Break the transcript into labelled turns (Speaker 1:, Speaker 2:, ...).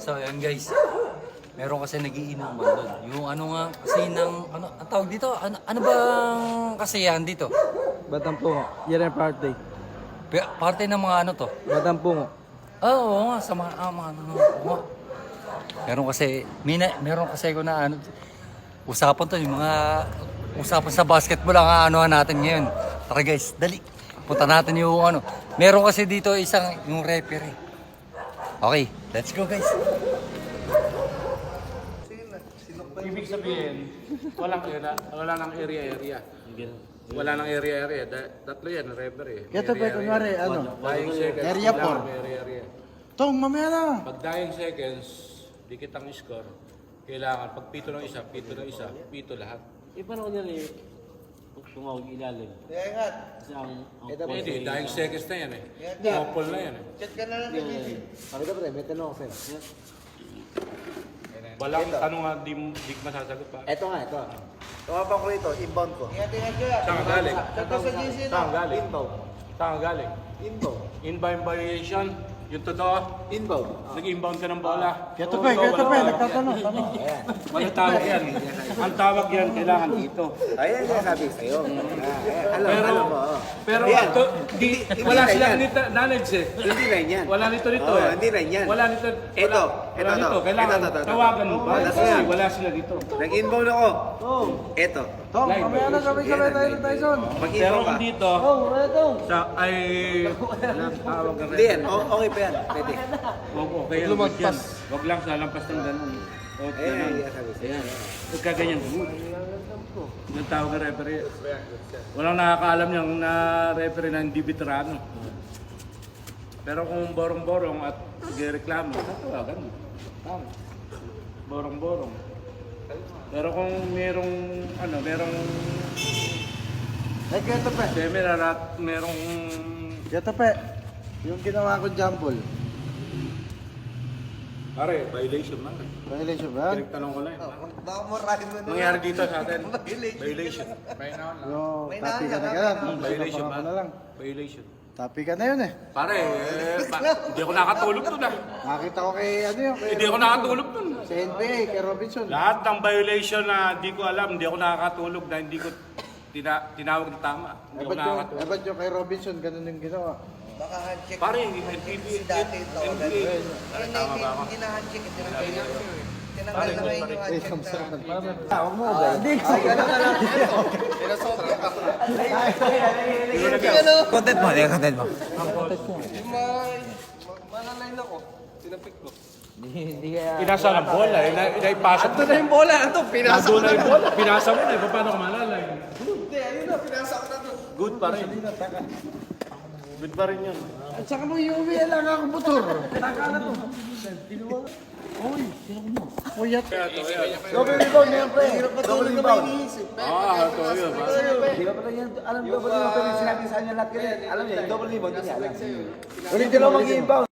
Speaker 1: So, yan guys. Meron kasi nagiinuman doon. Yung ano nga, kasi ng, ano, ang tawag dito? Ano bang kasiyahan dito?
Speaker 2: Batang Pungo. Yan ang party.
Speaker 1: Parte ng mga ano to?
Speaker 2: Batang Pungo.
Speaker 1: Oo nga, sa mga, mga ano, oo nga. Meron kasi ko na ano, usapan to, yung mga usapan sa basketball ang ano natin ngayon. Tara guys, dali. Punta natin yung ano. Meron kasi dito isang, yung referee. Okay, let's go guys.
Speaker 3: Ibig sabihin, wala nang area. Wala nang area. Tatlo yan, referee.
Speaker 2: Ito pa, kunwari, ano?
Speaker 3: Dying seconds.
Speaker 2: Area
Speaker 3: kailangan
Speaker 2: 4.
Speaker 3: may area.
Speaker 2: Tong, mamaya na.
Speaker 3: Pag dying seconds, dikit ang score. Kailangan, pag pito ng isa, pito lahat.
Speaker 4: Paano ko nila tumawag ilalim? Kasi ang
Speaker 3: Hindi, dying seconds na yan eh. Couple na yan eh.
Speaker 2: Sabi ka pre, may tanong ako sa'yo.
Speaker 3: Walang tanong nga, di masasagot pa.
Speaker 2: Ito nga, ito. Tumapang ko ito, inbound ko.
Speaker 3: Saan ka galing? Saan ka galing?
Speaker 2: Inbound.
Speaker 3: Saan ka galing?
Speaker 2: Inbound.
Speaker 3: Inbound violation, yung totoo.
Speaker 2: Inbound.
Speaker 3: Nag-inbound ka ng bola.
Speaker 2: Ito pa, nagtatanong.
Speaker 3: Walang tawag yan. Ang tawag yan, kailangan dito.
Speaker 2: Ayan yung sabi sa'yo. Alam mo.
Speaker 3: Pero ito, wala silang knowledge eh.
Speaker 2: Hindi rin yan.
Speaker 3: Wala nito
Speaker 2: Oo,
Speaker 3: eh.
Speaker 2: hindi rin yan.
Speaker 3: Wala nito.
Speaker 2: Ito.
Speaker 3: Wala nito. Kailangan
Speaker 2: Ito.
Speaker 3: tawagan mo ba?
Speaker 2: Wala
Speaker 3: Kasi
Speaker 2: sila.
Speaker 3: wala sila dito.
Speaker 2: Nag-inbound ako. Oo. Ito.
Speaker 3: Tom, mamaya na
Speaker 2: Sabay tayo ni Tyson.
Speaker 3: Pero
Speaker 2: Mag-inbound ka.
Speaker 3: kung dito, sa ay tawag ka
Speaker 2: Hindi yan. Okay pa yan. Pwede.
Speaker 3: Okay yan. Lumagpas. Wag lang sa lampas ng ganun. O ganun.
Speaker 2: sabi sa'yo.
Speaker 3: Ayan. Huwag ka ganyan. Yung tawag ka referee. Walang nakakaalam yung na referee na hindi veterano. Pero kung borong-borong at nagreklamo, tatawagan mo. Tama. Borong-borong. Pero kung merong
Speaker 2: Ay, ito pa.
Speaker 3: merong
Speaker 2: Ito pa. Yung ginawa ko jumble.
Speaker 3: pare, violation na.
Speaker 2: Violation ba?
Speaker 3: Pinagtanong ko lang.
Speaker 5: Baka murahin mo na.
Speaker 3: Nangyari dito sa atin. Violation.
Speaker 2: Yo, tapi ka na ka.
Speaker 3: Violation ba?
Speaker 2: na lang.
Speaker 3: Violation.
Speaker 2: Tapi ka na yun eh.
Speaker 3: Pare, hindi ako nakatulog doon ah.
Speaker 2: Nakita ko kay ano yun.
Speaker 3: Hindi ako nakatulog doon.
Speaker 2: Sa NBA, kay Robinson.
Speaker 3: Lahat ng violation na di ko alam, hindi ako nakakatulog na hindi ko tinawag na tama. Hindi ako nakakatulog.
Speaker 2: Ba't yung kay Robinson, ganun yung ginawa.
Speaker 5: Baka handshake.
Speaker 3: Pare,
Speaker 5: Si dati ito.
Speaker 3: NBA.
Speaker 5: Tama ba ako? Hindi na handshake. Tinanggal na ngayon yung handshake na.
Speaker 2: Huwag mo ba? Hindi ko.
Speaker 5: Content mo. Content mo.
Speaker 1: Malalain ako. Tinapik ko.
Speaker 3: Pinasa ng bola, inaipasok.
Speaker 5: Ito na yung bola. Ito, pinasa ko na.
Speaker 3: yung bola, pinasa mo na, paano ka malalay?
Speaker 5: Hindi, ayun na, pinasa ko na to.
Speaker 3: Good pa rin. Good pa rin yun.
Speaker 2: At saka mo iuwi lang ako motor. Taka na to. Uy, Kuyat. Double rebound na yan, pre. Double rebound.
Speaker 3: Ito yun.
Speaker 2: Di ba pala yan? Alam double rebound. Pero sinabi sa kanya lahat ganyan. Alam niya, double rebound. Hindi niya alam. Ulit din ako mag-inbound.